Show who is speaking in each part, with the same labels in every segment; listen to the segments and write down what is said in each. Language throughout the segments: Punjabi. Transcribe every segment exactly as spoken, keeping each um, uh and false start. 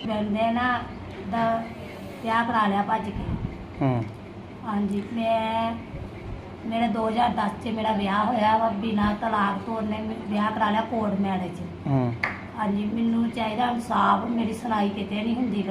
Speaker 1: हस्बैंड ने ना दा ब्याह करा लिया भज के। हाँ जी, मैं मेरा दो हज़ार दस च मेरा ब्याह होया वा बिना तलाक तो उन्हें ब्याह करा लिया कोर्ट मैरिज। हाँ जी, मैनू चाहिए इंसाफ, मेरी सुनाई किते नहीं हुंदी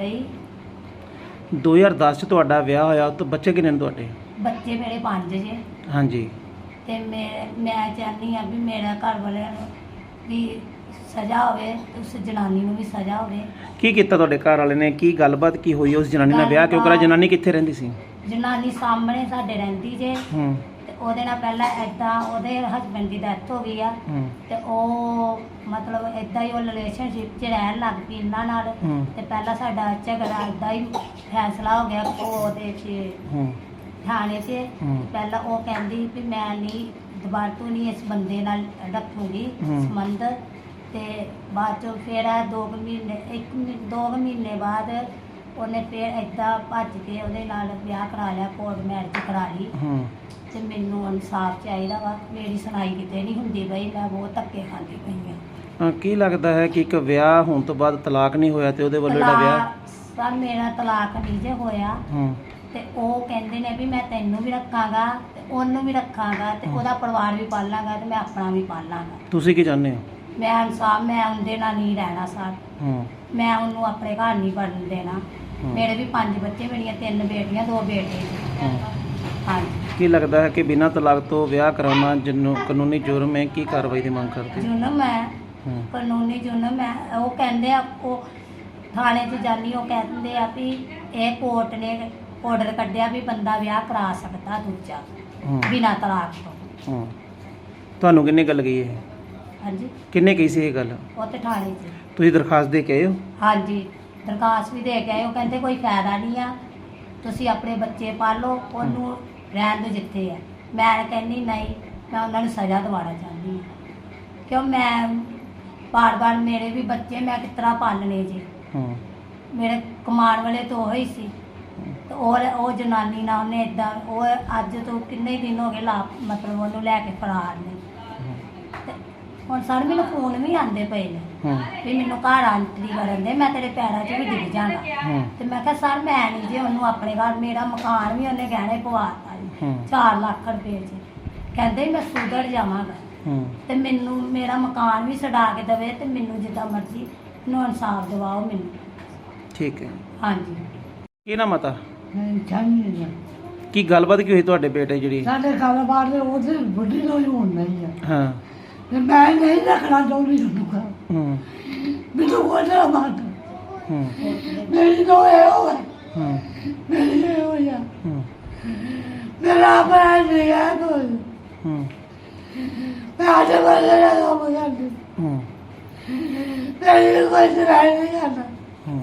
Speaker 1: पई।
Speaker 2: दो हज़ार दस ਚ ਤੁਹਾਡਾ ਵਿਆਹ ਹੋਇਆ ਤਾਂ ਬੱਚੇ ਕਿੰਨੇ ਨੇ ਤੁਹਾਡੇ?
Speaker 1: ਬੱਚੇ ਮੇਰੇ ਪੰਜ ਜੇ।
Speaker 2: ਹਾਂਜੀ।
Speaker 1: ਤੇ ਮੈਂ ਮੈਂ ਚਾਹੁੰਦੀ ਆ ਵੀ ਮੇਰਾ ਘਰ ਵਾਲਿਆਂ ਨੂੰ ਵੀ ਸਜ਼ਾ ਹੋਵੇ, ਉਸ ਜਨਾਨੀ ਨੂੰ ਵੀ ਸਜ਼ਾ ਹੋਵੇ।
Speaker 2: ਕੀ ਕੀਤਾ ਤੁਹਾਡੇ ਘਰ ਵਾਲੇ ਨੇ? ਕੀ ਗੱਲਬਾਤ ਕੀ ਹੋਈ? ਉਸ ਜਨਾਨੀ ਨਾਲ ਵਿਆਹ ਕਿਉਂ ਕਰਾ? ਜਨਾਨੀ ਕਿੱਥੇ ਰਹਿੰਦੀ ਸੀ?
Speaker 1: ਜਨਾਨੀ ਸਾਹਮਣੇ ਸਾਡੇ ਰਹਿੰਦੀ ਜੇ।
Speaker 2: ਹੂੰ। ਤੇ
Speaker 1: ਉਹਦੇ ਨਾਲ ਪਹਿਲਾਂ ਐਦਾਂ ਉਹਦੇ ਹਸਬੈਂਡ ਦੀ ਡੈਥ ਹੋ ਗਈ ਆ।
Speaker 2: ਹੂੰ। ਤੇ
Speaker 1: ਉਹ ਮਤਲਬ ਐਦਾਂ ਹੀ ਉਹ ਰਿਲੇਸ਼ਨਸ਼ਿਪ 'ਚ ਰਹਿਣ ਲੱਗ ਪਈ ਇਹਨਾਂ ਨਾਲ। ਤੇ ਪਹਿਲਾਂ ਸਾਡਾ ਝਗੜਾ ਐਦਾਂ ਹੀ ਫੈਸਲਾ ਹੋ ਗਿਆ ਉਹਦੇ 'ਚ
Speaker 2: ਹੂੰ
Speaker 1: ਥਾਣੇ 'ਚ। ਪਹਿਲਾਂ ਉਹ ਕਹਿੰਦੀ ਵੀ ਮੈਂ ਨਹੀਂ ਦੁਬਾਰਾ ਤੋਂ ਨਹੀਂ ਇਸ ਬੰਦੇ ਨਾਲ ਰੱਖੂੰਗੀ ਸੰਬੰਧ। ਤੇ ਬਾਅਦ ਚੋਂ ਫਿਰ ਦੋ ਕੁ ਮਹੀਨੇ ਇੱਕ ਮਹੀ- ਦੋ ਕੁ ਮਹੀਨੇ ਬਾਅਦ ਉਹਨੇ ਫਿਰ ਏਦਾਂ ਭੱਜ ਕੇ ਉਹਦੇ ਨਾਲ ਵਿਆਹ ਕਰਾ ਲਿਆ, ਕੋਰਟ ਮੈਰਿਜ ਕਰਾ ਲਈ। ਤੇ ਮੈਨੂੰ ਇਨਸਾਫ ਚਾਹੀਦਾ ਵਾ, ਮੇਰੀ ਸੁਣਾਈ ਕਿਤੇ ਨਹੀਂ ਹੁੰਦੀ ਬਈ, ਮੈਂ ਬਹੁਤ ਧੱਕੇ ਖਾਂਦੀ ਪਈ ਹਾਂ।
Speaker 2: ਕੀ ਲੱਗਦਾ ਹੈ ਕਿ ਇੱਕ ਵਿਆਹ ਹੋਣ ਤੋਂ ਬਾਅਦ ਤਲਾਕ ਨਹੀਂ ਹੋਇਆ ਤੇ ਉਹਦੇ ਵੱਲੋਂ ਜਿਹੜਾ ਵਿਆਹ?
Speaker 1: ਸਰ ਮੇਰਾ ਤਲਾਕ ਨਹੀਂ ਜੇ ਹੋਇਆ। ਤੇ ਉਹ ਕਹਿੰਦੇ ਨੇ ਵੀ ਮੈਂ ਤੈਨੂੰ ਵੀ ਰੱਖਾਂਗਾ ਤੇ ਉਹਨੂੰ ਵੀ ਰੱਖਾਂਗਾ ਤੇ ਉਹਦਾ ਪਰਿਵਾਰ ਵੀ ਪਾਲਾਂਗਾ ਤੇ ਮੈਂ ਆਪਣਾ ਵੀ ਪਾਲਾਂਗਾ।
Speaker 2: ਤੁਸੀਂ ਕੀ ਚਾਹੁੰਦੇ ਹੋ? ਮੈਂ
Speaker 1: ਇਨਸਾਫ, ਮੈਂ ਉਹਦੇ ਨਾਲ ਨਹੀਂ ਰਹਿਣਾ ਸਰ। ਮੈਂ ਉਹਨੂੰ ਆਪਣੇ ਘਰ ਨਹੀਂ ਵੜਨ ਦੇਣਾ। ਮੇਰੇ ਵੀ ਪੰਜ ਬੱਚੇ, ਮੇਰੀਆਂ ਤਿੰਨ ਬੇਟੀਆਂ ਦੋ ਬੇਟੇ। ਹਾਂਜੀ। ਕੀ
Speaker 2: ਲੱਗਦਾ ਹੈ ਕਿ ਬਿਨਾਂ ਤਲਾਕ ਤੋਂ ਵਿਆਹ ਕਰਾਉਣਾ ਜਨੂੰ ਕਾਨੂੰਨੀ ਜੁਰਮ ਹੈ? ਕੀ ਕਾਰਵਾਈ ਦੀ ਮੰਗ ਕਰਦੇ?
Speaker 1: ਜੁਰਮ ਹੈ, ਕਾਨੂੰਨੀ ਜੁਰਮ ਹੈ। ਉਹ ਕਹਿੰਦੇ ਆ, ਉਹ ਥਾਣੇ 'ਚ ਜਾਨੀ, ਉਹ ਕਹਿੰਦੇ ਆ ਵੀ ਇਹ ਕੋਰਟ ਨੇ ਆਰਡਰ ਕੱਢਿਆ ਵੀ ਬੰਦਾ ਵਿਆਹ ਕਰਾ ਸਕਦਾ ਦੂਜਾ ਬਿਨਾਂ ਤਲਾਕ ਤੋਂ।
Speaker 2: ਤੁਹਾਨੂੰ ਕਿੰਨੇ ਗੱਲ ਕਹੀ ਹੈ?
Speaker 1: ਹਾਂਜੀ।
Speaker 2: ਕਿੰਨੇ ਕਹੀ ਸੀ ਇਹ ਗੱਲ? ਉਹ
Speaker 1: ਤੇ ਥਾਣੇ 'ਚ।
Speaker 2: ਤੁਸੀਂ ਦਰਖਾਸਤ ਦੇ ਕੇ ਆਏ ਹੋ?
Speaker 1: ਹਾਂਜੀ, ਦਰਖਾਸਤ ਵੀ ਦੇ ਕੇ ਆਏ। ਉਹ ਕਹਿੰਦੇ ਕੋਈ ਫਾਇਦਾ ਨਹੀਂ ਆ, ਤੁਸੀਂ ਆਪਣੇ ਬੱਚੇ ਪਾਲੋ, ਉਹਨੂੰ ਰਹਿਣ ਦਿਓ ਜਿੱਥੇ ਹੈ। ਮੈਂ ਕਹਿੰਦੀ ਨਹੀਂ, ਮੈਂ ਉਹਨਾਂ ਨੂੰ ਸਜ਼ਾ ਦਿਵਾਉਣਾ ਚਾਹੁੰਦੀ ਹਾਂ। ਕਿਉਂ ਮੈਂ ਬਾਰ ਬਾਰ ਮੇਰੇ ਵੀ ਬੱਚੇ ਮੈਂ ਕਿਸ ਤਰ੍ਹਾਂ ਪਾਲਣੇ ਜੀ। ਮੇਰੇ ਕਮਾਉਣ ਵਾਲੇ ਤਾਂ ਉਹ ਹੀ ਸੀ। ਤੇ ਔਰ ਉਹ ਜਨਾਨੀ ਨਾਲ ਉਹਨੇ ਇੱਦਾਂ, ਉਹ ਅੱਜ ਤੋਂ ਕਿੰਨੇ ਦਿਨ ਹੋ ਗਏ ਲਾ ਮਤਲਬ ਉਹਨੂੰ ਲੈ ਕੇ ਫਰਾਰ ਨੇ। ਤੇ ਹੁਣ ਸਰ ਮੈਨੂੰ ਫੋਨ ਵੀ ਆਉਂਦੇ ਪਏ ਨੇ ਵੀ ਮੈਨੂੰ ਘਰ ਆਂਟਰੀ ਕਰਨ ਦੇ, ਮੈਂ ਤੇਰੇ ਪੈਰਾਂ 'ਚ ਵੀ ਡਿੱਗ ਜਾਣਾ। ਤੇ ਮੈਂ ਕਿਹਾ ਸਰ ਮੈਂ ਨਹੀਂ ਜੀ ਉਹਨੂੰ ਆਪਣੇ ਘਰ, ਮੇਰਾ ਮਕਾਨ ਵੀ ਉਹਨੇ ਗਹਿਣੇ ਪਵਾਤਾ ਜੀ ਚਾਰ ਲੱਖ ਰੁਪਏ 'ਚ। ਕਹਿੰਦੇ ਮੈਂ ਸੁਧਰ ਜਾਵਾਂਗਾ ਤੇ ਮੈਨੂੰ ਮੇਰਾ ਮਕਾਨ ਵੀ ਛਡਾ ਕੇ ਦੇਵੇ ਤੇ ਮੈਨੂੰ ਜਿੱਦਾਂ ਮਰਜ਼ੀ ਮੈਨੂੰ ਇਨਸਾਫ ਦਿਵਾਓ ਮੈਨੂੰ।
Speaker 2: ਠੀਕ ਹੈ।
Speaker 1: ਹਾਂਜੀ।
Speaker 2: ਕੀ ਨਾਮ ਆ?
Speaker 3: ਚਾਹੀਦੀ
Speaker 2: ਕੀ ਗੱਲਬਾਤ ਕੀ ਹੋਈ ਤੁਹਾਡੇ ਬੇਟੇ ਜਿਹੜੀ?
Speaker 3: ਸਾਡੇ ਕਾਰੋਬਾਰ ਦੇ ਉਹਦੇ ਵੱਡੀ ਲੋਈ ਹੋਣ ਨਹੀਂ ਆ।
Speaker 2: ਹਾਂ।
Speaker 3: ਤੇ ਮੈਂ ਨਹੀਂ ਰੱਖਣਾ ਚਾਹੁੰਦੀ ਤੁਹਾਨੂੰ ਘਰ।
Speaker 2: ਹੂੰ।
Speaker 3: ਮੈਨੂੰ ਕੋਈ ਨਾ ਮਾਰ।
Speaker 2: ਹੂੰ।
Speaker 3: ਮੇਰੀ ਤੋਂ ਇਹ ਹੋ ਗਿਆ।
Speaker 2: ਹੂੰ।
Speaker 3: ਮੇਰੀ ਇਹ ਹੋ ਗਿਆ।
Speaker 2: ਹੂੰ।
Speaker 3: ਮੇਰਾ ਆਪਣਾ ਨਹੀਂ ਹੈ ਕੋਈ।
Speaker 2: ਹੂੰ।
Speaker 3: ਮੈਂ ਅੱਜ ਬੰਦੇ ਦਾ ਕੰਮ ਕਰਦੀ।
Speaker 2: ਹੂੰ।
Speaker 3: ਮੇਰੀ ਕੋਈ ਸੁਣਾਈ ਨਹੀਂ ਕਰਦਾ।
Speaker 2: ਹੂੰ।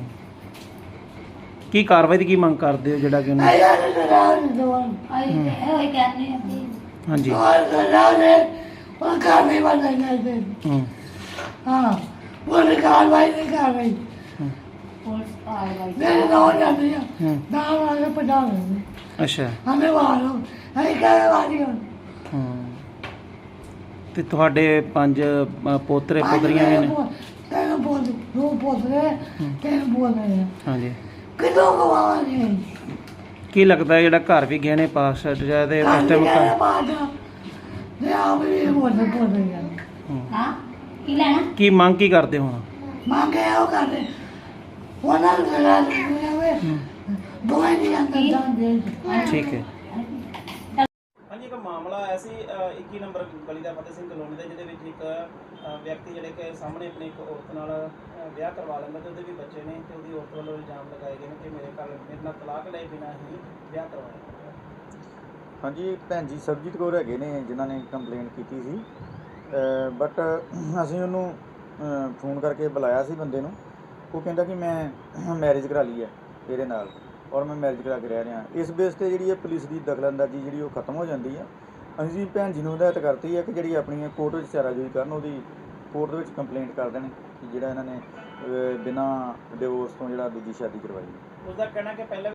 Speaker 2: ਕੀ ਕਾਰਵਾਈ ਦੀ ਕੀ ਮੰਗ ਕਰਦੇ ਹੋ ਜਿਹੜਾ ਕਿ ਉਹਨੂੰ?
Speaker 3: ਆਇਆ ਨਾ ਸੁਣਾਉਣ ਦਵਾਂ।
Speaker 1: ਆਈ ਤੇ ਇਹੋ ਹੀ ਕਹਿੰਦੇ ਆ ਵੀ
Speaker 2: ਹਾਂਜੀ।
Speaker 3: और सुनाने और कार्रवाई वाला नहीं दे।
Speaker 2: ਹੂੰ।
Speaker 3: हाँ, वो कार्रवाई नहीं कर रही।
Speaker 1: ਪੁਲਿਸ ਕਾਰਵਾਈ
Speaker 3: मेरे तो हो जाती है।
Speaker 2: हम्म।
Speaker 3: दाम आगे पटा रहे।
Speaker 2: ਅੱਛਾ।
Speaker 3: हमें मारो, हमें क्या वाली हो?
Speaker 2: ਹੂੰ। ਤੇ ਤੁਹਾਡੇ ਪੰਜ ਅ, ਪੋਤਰੇ ਪੋਤਰੀਆਂ ਵੀ ਨੇ?
Speaker 3: तेरे बोल, दो पोतरे, तेरे बोल रहे हैं।
Speaker 2: ਹਾਂਜੀ।
Speaker 3: कितनों को मारेंगे?
Speaker 2: ਕੀ ਲੱਗਦਾ ਜਿਹੜਾ ਘਰ ਵੀ ਗਹਿਣੇ ਪਾਸ ਛੱਡ ਜਾਏ ਤੇ ਉਸ ਟਾਈਮ
Speaker 3: क्या
Speaker 2: ਘਰ?
Speaker 3: बात है? ये आप भी बोल रहे बोल रहे हैं।
Speaker 2: ਹੂੰ।
Speaker 1: ਹਾਂ ਕੀ ਲੈਣਾ?
Speaker 2: ਕੀ ਮੰਗ ਕੀ ਕਰਦੇ ਹੁਣ?
Speaker 3: मांगे हो कर रहे। वो ना लगा रहे। दो नहीं अंदर जान दे।
Speaker 2: ਠੀਕ ਹੈ।
Speaker 4: ਹਾਂਜੀ, ਇੱਕ ਮਾਮਲਾ ਆਇਆ ਸੀ ਇੱਕੀ ਨੰਬਰ ਗਲੀ ਦਾ ਫਤਿਹ ਸਿੰਘ ਕਲੋਨੀ ਦੇ, ਜਿਹਦੇ ਵਿੱਚ ਇੱਕ ਅ, ਵਿਅਕਤੀ ਜਿਹੜੇ ਕਿ ਸਾਹਮਣੇ ਆਪਣੀ ਇੱਕ ਔਰਤ ਨਾਲ ਅ, ਵਿਆਹ ਕਰਵਾ ਲੈਂਦਾ ਤੇ ਉਹਦੇ ਵੀ ਬੱਚੇ ਨੇ, ਤੇ ਉਹਦੀ ਔਰਤ ਵੱਲੋਂ ਇਲਜ਼ਾਮ ਲਗਾਏ ਗਏ ਨੇ ਕਿ ਮੇਰੇ ਘਰ ਮੇਰੇ ਨਾਲ ਤਲਾਕ ਲਏ ਬਿਨਾਂ ਹੀ ਵਿਆਹ ਕਰਵਾਇਆ।
Speaker 5: ਹਾਂਜੀ, ਭੈਣ ਜੀ ਸਰਬਜੀਤ ਕੌਰ ਹੈਗੇ ਨੇ ਜਿਨ੍ਹਾਂ ਨੇ ਕੰਪਲੇਂਟ ਕੀਤੀ ਸੀ। ਬਟ ਅਸੀਂ ਉਹਨੂੰ ਫੋਨ ਕਰਕੇ ਬੁਲਾਇਆ ਸੀ ਬੰਦੇ ਨੂੰ। ਉਹ ਕਹਿੰਦਾ ਕਿ ਮੈਂ ਮੈਰਿਜ ਕਰਾ ਲਈ ਹੈ ਇਹਦੇ ਨਾਲ ਔਰ ਮੈਂ ਮੈਰਿਜ ਕਰਾ ਕੇ ਰਹਿ ਰਿਹਾ। ਇਸ ਬੇਸ 'ਤੇ ਜਿਹੜੀ ਹੈ ਪੁਲਿਸ ਦੀ ਦਖਲਅੰਦਾਜ਼ੀ ਜਿਹੜੀ ਉਹ ਖਤਮ ਹੋ ਜਾਂਦੀ ਹੈ। ਅਸੀਂ ਭੈਣ ਜੀ ਨੂੰ ਹਦਾਇਤ ਕਰਤੀ ਹੈ ਕਿ ਜਿਹੜੀ ਆਪਣੀ ਕੋਰਟ ਵਿੱਚ ਚਾਰਾਜੋਈ ਕਰਨ, ਉਹਦੀ ਕੋਰਟ ਦੇ ਵਿੱਚ ਕੰਪਲੇਂਟ ਕਰ ਦੇਣ ਕਿ ਜਿਹੜਾ ਇਹਨਾਂ ਨੇ ਬਿਨਾਂ ਡਿਵੋਰਸ ਤੋਂ ਜਿਹੜਾ ਦੂਜੀ ਸ਼ਾਦੀ ਕਰਵਾਈ।
Speaker 4: ਉਸਦਾ ਕਹਿਣਾ ਕਿ ਪਹਿਲਾਂ